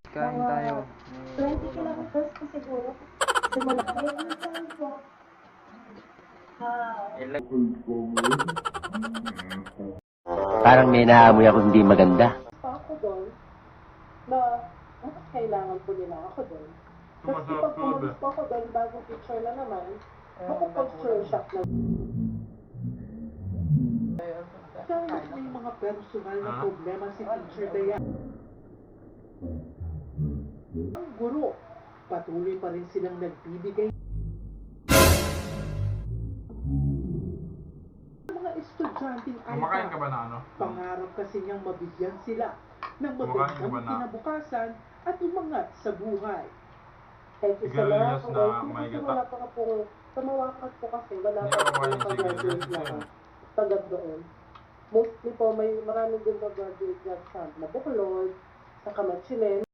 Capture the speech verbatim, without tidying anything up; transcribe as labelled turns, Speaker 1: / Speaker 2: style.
Speaker 1: Kain tayo.
Speaker 2: twenty kilometers po siguro. Simula kayo ang saan po. Ah,
Speaker 3: Parang may naamoy ako hindi maganda.
Speaker 2: pa ako doon na bakit kailangan po nila ako doon. Kasi pag pumunta po ako doon, bagong picture na naman, makukulture shock na.
Speaker 4: Kahit may mga personal na problema si Teacher Dayan, ang guro, patuloy pa rin silang nagbibigay ng mga estudyanteng
Speaker 5: Kumakain ka ba
Speaker 4: iPad.
Speaker 5: na ano?
Speaker 4: Pangarap kasi niyang mabigyan sila ng
Speaker 5: Kumakain ka
Speaker 4: magandang
Speaker 5: ba na?
Speaker 4: kinabukasan at umangat sa buhay.
Speaker 2: Thank you so
Speaker 5: Sigarilyas
Speaker 2: much.
Speaker 5: na
Speaker 2: Kasi
Speaker 5: may gata.
Speaker 2: wala pa ka po, sa Mawakat po kasi, wala
Speaker 5: Hindi
Speaker 2: pa
Speaker 5: ako
Speaker 2: po
Speaker 5: kumain ng
Speaker 2: nakagraduate
Speaker 5: sigarilyas
Speaker 2: na
Speaker 5: kasi.
Speaker 2: tagad doon. Mostly po, may maraming din na-graduate dyan sa Nabuklod, sa Kamachilen.